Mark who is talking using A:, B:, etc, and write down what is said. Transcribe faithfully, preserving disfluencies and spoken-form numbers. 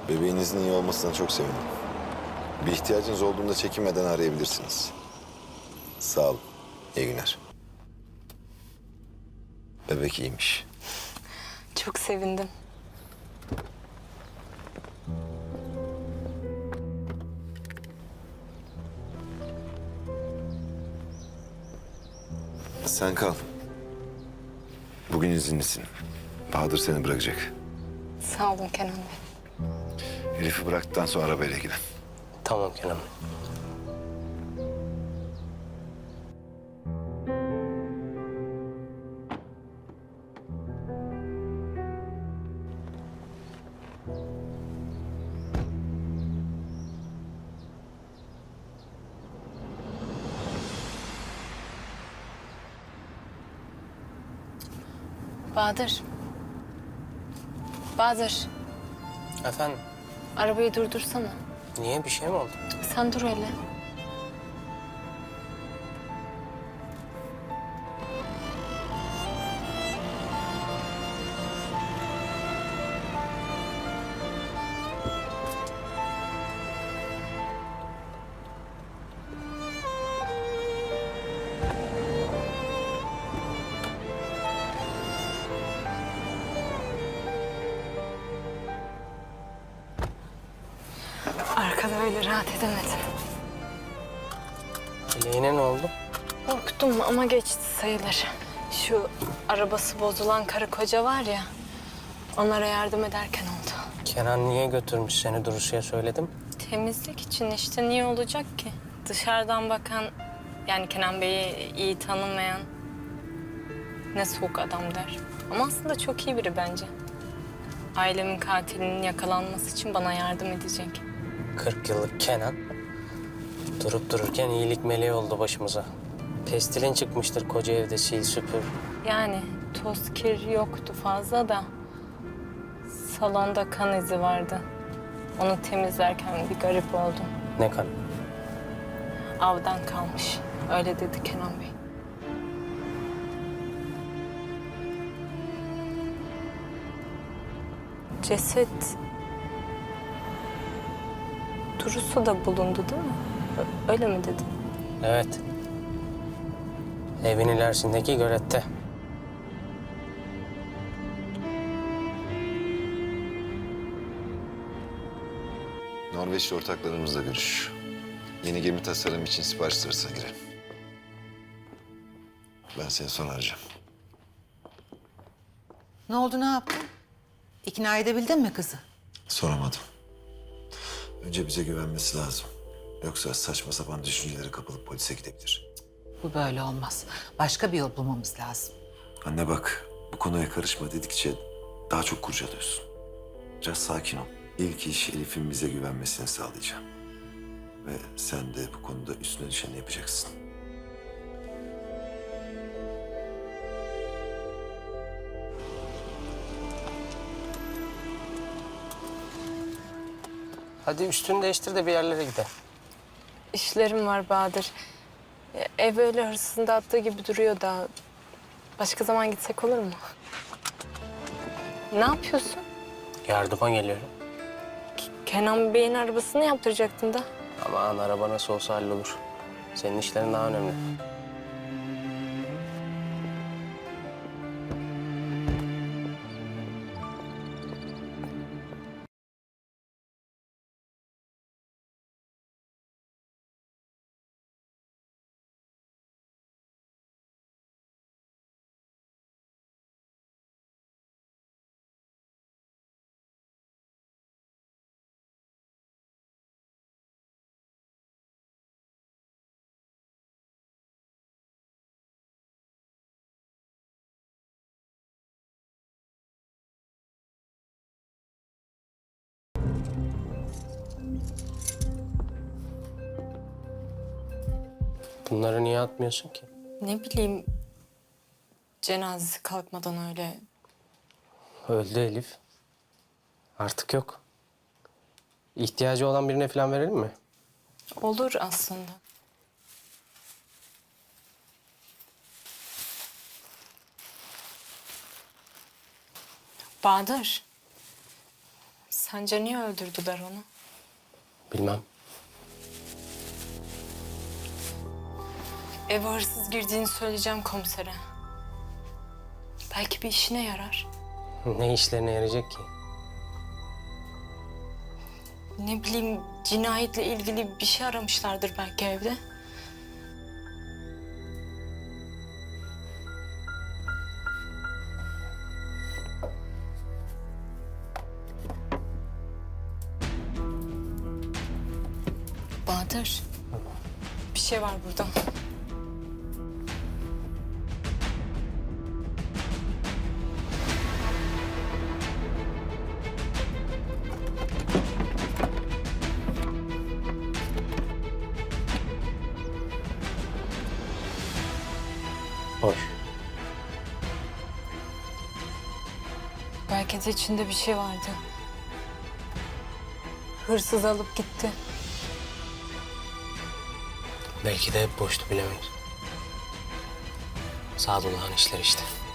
A: Bebeğinizin iyi olmasına çok sevindim. Bir ihtiyacınız olduğunda çekinmeden arayabilirsiniz. Sağ olun. İyi günler. Bebek iyiymiş.
B: Çok sevindim.
A: Sen kal. Bugün izinlisin. Bahadır seni bırakacak.
B: Sağ olun Kenan Bey.
A: Elif'i bıraktıktan sonra arabayla ilgilen.
C: Tamam Kenan Bey.
B: Bahadır. Bahadır.
C: Efendim,
B: Arabayı durdursana.
C: niye bir şey mi oldu?
B: Sen dur hele. Arkada öyle rahat edemedim.
C: Bileğine ne oldu?
B: Korktum ama geçti sayılır. Şu arabası bozulan karı koca var ya, onlara yardım ederken oldu.
C: Kenan niye götürmüş seni Duruşu'ya söyledim?
B: Temizlik için işte, niye olacak ki? Dışarıdan bakan, yani Kenan Bey'i iyi tanımayan ne soğuk adam der. Ama aslında çok iyi biri bence. Ailemin katilinin yakalanması için bana yardım edecek.
C: kırk yıllık Kenan durup dururken iyilik meleği oldu başımıza. Pestilin çıkmıştır koca evde sil süpür.
B: Yani toz kir yoktu fazla da salonda kan izi vardı. Onu temizlerken bir garip oldum.
C: Ne kan?
B: Avdan kalmış. Öyle dedi Kenan Bey. Ceset Durusu da bulundu değil mi? Ö- Öyle mi dedin?
C: Evet. Evin ilerisindeki gölette.
A: Norveçli ortaklarımızla görüş. Yeni gemi tasarım için sipariş sırasına girelim. Ben seni sonra arayacağım.
D: Ne oldu, ne yaptın? İkna edebildin mi kızı?
A: Soramadım. Önce bize güvenmesi lazım. Yoksa saçma sapan düşüncelere kapılıp polise gidebilir.
D: Bu böyle olmaz. Başka bir yol bulmamız lazım.
A: Anne bak, bu konuya karışma dedikçe daha çok kurcalıyorsun. Biraz sakin ol. İlk iş Elif'in bize güvenmesini sağlayacağım. Ve sen de bu konuda üstüne düşeni yapacaksın.
C: Hadi üstünü değiştir de bir yerlere gidelim.
B: İşlerim var Bahadır. E, Ev öyle hırsızın dağıttığı gibi duruyor da. Başka zaman gitsek olur mu? Ne yapıyorsun?
C: Yardıma geliyorum.
B: Kenan Bey'in arabasını yaptıracaktın da.
C: Aman araba nasıl olsa hallolur. Senin işlerin daha önemli. Bunları niye atmıyorsun ki?
B: Ne bileyim, cenazesi kalkmadan öyle.
C: Öldü Elif. Artık yok. İhtiyacı olan birine falan verelim mi?
B: Olur aslında. Bahadır. Sence niye öldürdüler onu?
C: Bilmem.
B: Eve hırsız girdiğini söyleyeceğim komisere. Belki bir işine yarar.
C: Ne işlerine yarayacak ki?
B: Ne bileyim, cinayetle ilgili bir şey aramışlardır belki evde. Bahadır, bir şey var burada.
C: Hoş.
B: Belki de içinde bir şey vardı. Hırsız alıp gitti.
C: Belki de hep boştu, bilemeyiz. Sadullah'ın işleri işte.